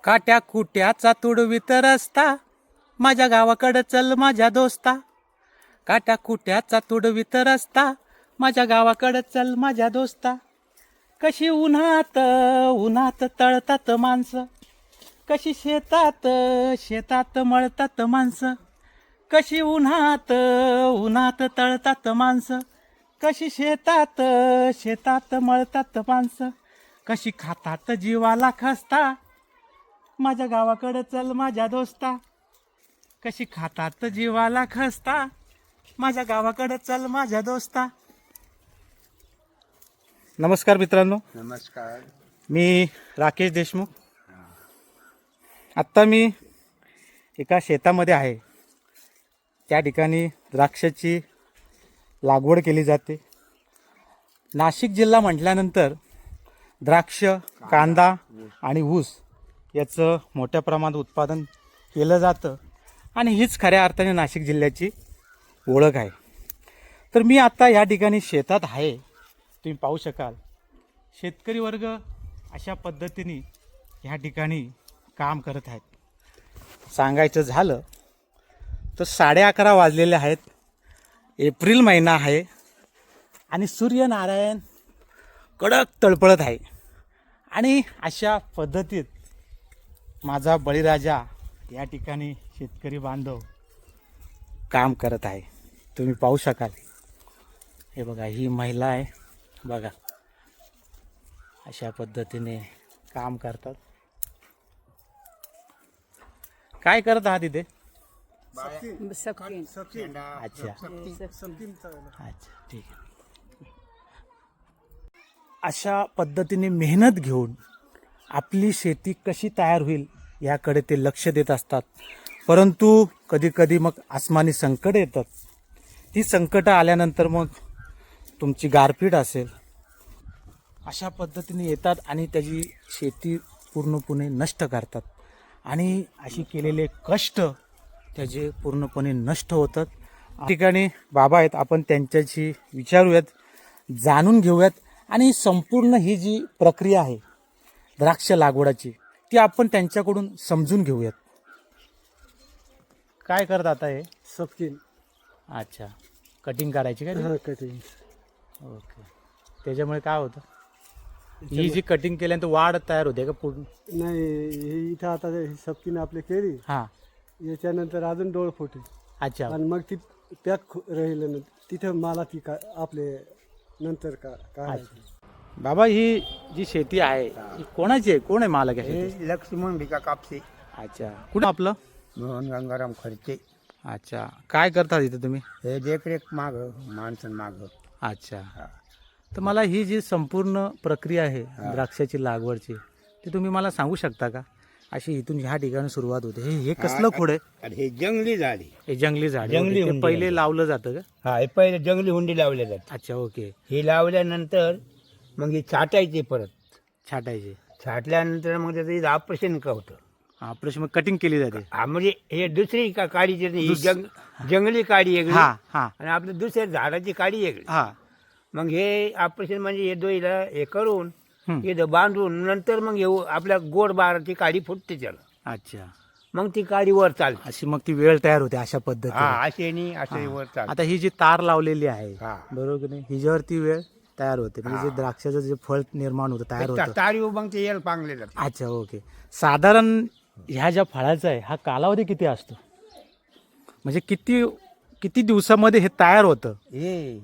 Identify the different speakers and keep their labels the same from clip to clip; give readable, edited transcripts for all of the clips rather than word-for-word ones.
Speaker 1: काट्या कुट्याचा तुडवीत रस्ता, माझ्या गावाकडं चल माझ्या दोस्ता. काट्या कुट्याचा तुडवीत रस्ता, माझ्या गावाकडं चल माझ्या दोस्ता. कशी उन्हात उन्हात तळतात माणसं, कशी शेतात शेतात मळतात माणसं. कशी उन्हात उन्हात तळतात माणसं, कशी शेतात शेतात मळतात माणसं. कशी खातात जीवाला खस्ता, माझ्या गावाकडं चल माझ्या दोस्ता. कशी खातात जीवाला खस्ता, माझ्या गावाकडं चल माझ्या दोस्ता. नमस्कार मित्रांनो,
Speaker 2: नमस्कार.
Speaker 1: मी राकेश देशमुख. आत्ता मी एका शेतामध्ये आहे. त्या ठिकाणी द्राक्षाची लागवड केली जाते. नाशिक जिल्हा म्हटल्यानंतर द्राक्ष, कांदा आणि ऊस याचं मोठ्या प्रमाणात उत्पादन केलं जातं आणि हीच खऱ्या अर्थाने नाशिक जिल्ह्याची ओळख आहे. तर मी आता या ठिकाणी शेतात आहे. तुम्ही पाहू शकाल शेतकरी वर्ग अशा पद्धतीने ह्या ठिकाणी काम करत आहेत. सांगायचं झालं तर 11:30 वाजलेले आहेत. एप्रिल महिना आहे आणि सूर्यनारायण कडक तळपळत आहे. आणि अशा पद्धतीत माझा बळीराजा या ठिकाणी शेतकरी बांधव काम करत आहे. तुम्ही पाहू शकाल. हे बघा, ही महिला आहे बघा, अशा पद्धतीने काम करतात. काय करत आहात इथे? अच्छा ठीक आहे. अशा पद्धतीने मेहनत घेऊन आपली शेती कशी तयार होईल याकडे ते लक्ष देत असतात. परंतु कधी कधी मग आसमानी संकट येतात. ती संकटं आल्यानंतर मग तुमची गारपीट असेल अशा पद्धतीने येतात आणि त्याची शेती पूर्णपणे नष्ट करतात. आणि अशी केलेले कष्ट त्याचे पूर्णपणे नष्ट होतात. या ठिकाणी बाबा आहेत, आपण त्यांच्याशी विचारूयात, जाणून घेऊयात आणि संपूर्ण ही जी प्रक्रिया आहे द्राक्ष लागवडाची ती आपण त्यांच्याकडून समजून घेऊयात. काय करत आता हे?
Speaker 2: सपकिन.
Speaker 1: अच्छा, कटिंग करायची काय?
Speaker 2: हा, कटिंग.
Speaker 1: ओके. त्याच्यामुळे काय होतं? ही जी कटिंग केल्यानंतर वाढ तयार होते का पूर्ण?
Speaker 2: नाही, हे इथं आता सपकिन आपली केली,
Speaker 1: हां.
Speaker 2: याच्यानंतर अजून डोळ फुटे
Speaker 1: अच्छा.
Speaker 2: आणि मग ती पॅक राहिलं तिथं मला ती का आपले नंतर काढायची.
Speaker 1: बाबा, ही जी शेती आहे ही कोणाची आहे? कोण आहे मालक आहे शेतीचं?
Speaker 3: हे लक्ष्मण भिका कापसे,
Speaker 1: अच्छा. कुठं आपलं?
Speaker 3: मोहन गंगाराम खर्चे.
Speaker 1: अच्छा. काय करतात इथं तुम्ही?
Speaker 3: हे देखरेख माग, माणसं माग.
Speaker 1: अच्छा. तर मला ही जी संपूर्ण प्रक्रिया आहे द्राक्षाची लागवडची ती तुम्ही मला सांगू शकता का? अशी इथून ह्या ठिकाणी सुरुवात होते. हे कसलं खोड आहे?
Speaker 3: आणि हे जंगली झाडी.
Speaker 1: हे जंगली झाड आहे.
Speaker 3: जंगली
Speaker 1: ओके. ते
Speaker 3: हुंडी
Speaker 1: पहिले
Speaker 3: आहे.
Speaker 1: लावलं जातं का?
Speaker 3: हा, हे पहिले जंगली हुंडी लावल्या जाते.
Speaker 1: अच्छा. ओके.
Speaker 3: हे लावल्यानंतर मग हे छाटायचे परत.
Speaker 1: छाटायचे.
Speaker 3: छाटल्यानंतर मग त्याचं ऑपरेशन का होतं.
Speaker 1: ऑपरेशन मग कटिंग केली जाते.
Speaker 3: हा, म्हणजे हे दुसरी काडीची नाही, ही जंगली काडी वेगळी
Speaker 1: हा हा
Speaker 3: आणि आपल्या दुसऱ्या झाडाची काडी वेगळी.
Speaker 1: हा.
Speaker 3: मग हे ऑपरेशन म्हणजे हे दोईला हे करून
Speaker 1: हम्म.
Speaker 3: इथं बांधून नंतर मग येऊ आपल्या गोड बाराची काडी फुटते त्याला.
Speaker 1: अच्छा.
Speaker 3: मग ती काडी वर चालते.
Speaker 1: अशी मग ती वेळ तयार होते अशा
Speaker 3: हा,
Speaker 1: पद्धतीने.
Speaker 3: असे नाही असे वर चालते.
Speaker 1: आता ही जी तार लावलेली आहे
Speaker 3: हा.
Speaker 1: बरोबर की नाही, हिच्यावरती वेळ तयार होते म्हणजे जे द्राक्षाचं जे फळ निर्माण होतं तयार होतं.
Speaker 3: तारी मग ते याला पांगले जाते.
Speaker 1: अच्छा. ओके. साधारण ह्या ज्या फळाचा आहे हा कालावधी किती असतो? म्हणजे किती किती दिवसामध्ये हे तयार होतं?
Speaker 3: हे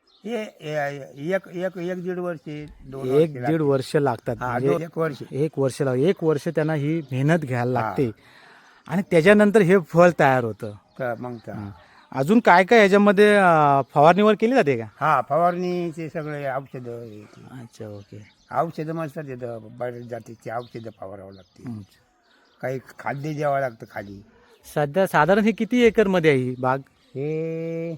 Speaker 3: एक एक एक दीड वर्ष, 2
Speaker 1: एक दीड वर्ष लागतात. म्हणजे
Speaker 3: 1 वर्ष.
Speaker 1: एक वर्ष एक वर्ष त्यांना ही मेहनत घ्यायला लागते आणि त्याच्यानंतर हे फळ तयार होतं.
Speaker 3: मग
Speaker 1: अजून काय काय ह्याच्यामध्ये फवारणीवर केली जाते का?
Speaker 3: हा, फवारणीचे सगळे औषधं.
Speaker 1: अच्छा. ओके.
Speaker 3: औषधं मस्त देतं, बऱ्याच जातीची औषधं फवारावं लागते. काही खाद्य द्यावं लागतं खाली.
Speaker 1: सध्या साधारण हे किती एकर मध्ये आहे ही बाग?
Speaker 3: हे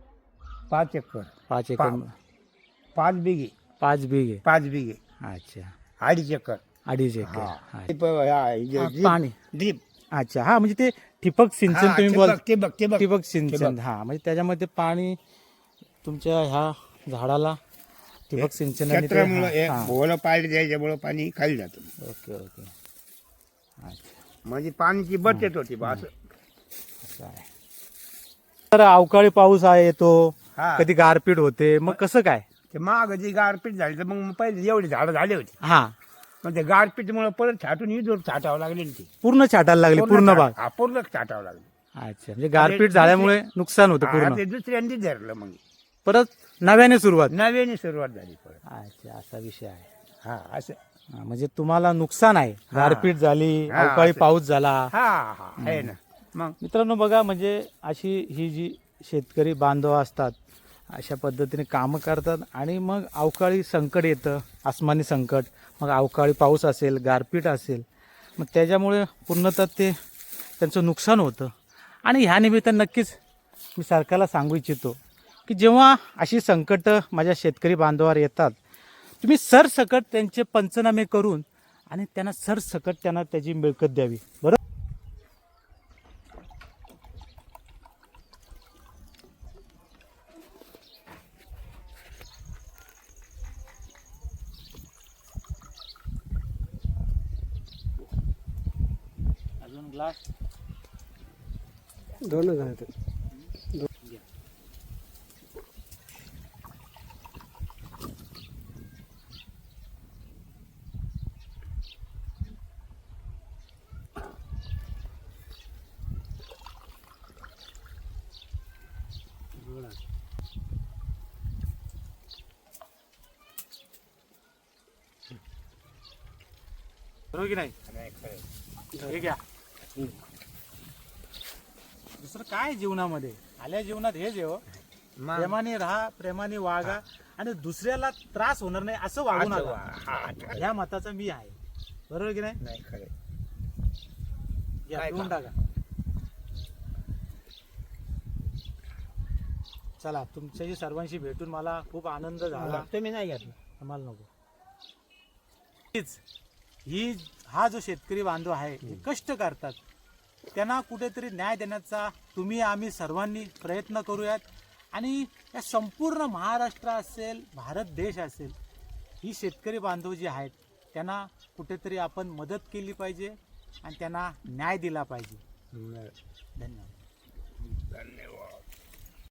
Speaker 3: 5 एकर.
Speaker 1: 5 एकर.
Speaker 3: 5 बिघे.
Speaker 1: 5 बिघे.
Speaker 3: 5 बिघे.
Speaker 1: अच्छा.
Speaker 3: 2.5 एकर.
Speaker 1: 2.5 एकर.
Speaker 3: पाणी
Speaker 1: पाणी.
Speaker 3: ड्रीप.
Speaker 1: अच्छा. हा, म्हणजे ते ठिबक सिंचन तुम्ही बोल.
Speaker 3: ठिबक.
Speaker 1: ठिबक सिंचन. हा, म्हणजे त्याच्यामध्ये पाणी तुमच्या ह्या झाडाला ठिबक सिंचन.
Speaker 3: क्षेत्रामुळं ओलं पाणी द्यायच्यामुळं पाणी खाली जातं.
Speaker 1: ओके. ओके. अच्छा,
Speaker 3: म्हणजे पाण्याची बचत होती बा असं.
Speaker 1: असं आहे. तर अवकाळी पाऊस आहे येतो,
Speaker 3: हा.
Speaker 1: कधी गारपीट होते, मग कसं काय?
Speaker 3: ते माग जी गारपीट झाली तर मग पहिले एवढी झाडं झाली होती,
Speaker 1: हा,
Speaker 3: पण ते गारपीटमुळे परत छाटून इजोर छाटावं लागले ना ती.
Speaker 1: पूर्ण छाटायला लागली पूर्ण भाग.
Speaker 3: हा, पूर्ण छाटावं लागले.
Speaker 1: अच्छा, म्हणजे गारपीट झाल्यामुळे नुकसान होतं
Speaker 3: हा,
Speaker 1: पूर्ण.
Speaker 3: ते दुसऱ्यांदी धरलं मग
Speaker 1: परत नव्याने सुरुवात.
Speaker 3: नव्याने सुरुवात झाली परत.
Speaker 1: अच्छा, असा विषय आहे.
Speaker 3: हा असं.
Speaker 1: हा, म्हणजे तुम्हाला नुकसान आहे. गारपीट झाली,
Speaker 3: हा,
Speaker 1: अवकाळी
Speaker 3: असं.
Speaker 1: पाऊस झाला.
Speaker 3: हा हा आहे ना. मग
Speaker 1: मित्रांनो बघा, म्हणजे अशी ही जी शेतकरी बांधव असतात अशा पद्धतीने कामं करतात आणि मग अवकाळी संकट येतं, आसमानी संकट, मग अवकाळी पाऊस असेल, गारपीट असेल, मग त्याच्यामुळे पूर्णतः ते त्यांचं नुकसान होतं. आणि ह्या निमित्तानं नक्कीच मी सरकारला सांगू इच्छितो की जेव्हा अशी संकटं माझ्या शेतकरी बांधवावर येतात, तुम्ही सरसकट त्यांचे पंचनामे करून आणि त्यांना सरसकट त्यांना त्याची मिळकत द्यावी. बरोबर. अजून ग्लास.
Speaker 2: दोनच आहेत.
Speaker 1: बरोबर की नाही? हे घ्या. दुसरं काय जीवनामध्ये, आल्या जीवनात हेच आहे हो.
Speaker 3: मग
Speaker 1: प्रेमाने राहा, प्रेमाने वागा आणि दुसऱ्याला त्रास होणार नाही असं वागू
Speaker 3: असं
Speaker 1: नका.
Speaker 3: हा,
Speaker 1: ह्या मताचा मी आहे. बरोबर की नाही?
Speaker 3: नाही खरं.
Speaker 1: घ्या,
Speaker 3: काय
Speaker 1: पिऊन
Speaker 3: का?
Speaker 1: टाका. चला, तुमच्याशी सर्वांशी भेटून मला खूप आनंद झाला.
Speaker 3: तुम्ही नाही घेतलं.
Speaker 1: आम्हाला नको. हीच ही हा जो शेतकरी बांधव आहे, हे कष्ट करतात, त्यांना कुठेतरी न्याय देण्याचा तुम्ही आम्ही सर्वांनी प्रयत्न करूयात. आणि या संपूर्ण महाराष्ट्र असेल, भारत देश असेल, ही शेतकरी बांधव जी आहेत त्यांना कुठेतरी आपण मदत केली पाहिजे आणि त्यांना न्याय दिला पाहिजे. धन्यवाद.
Speaker 3: धन्यवाद.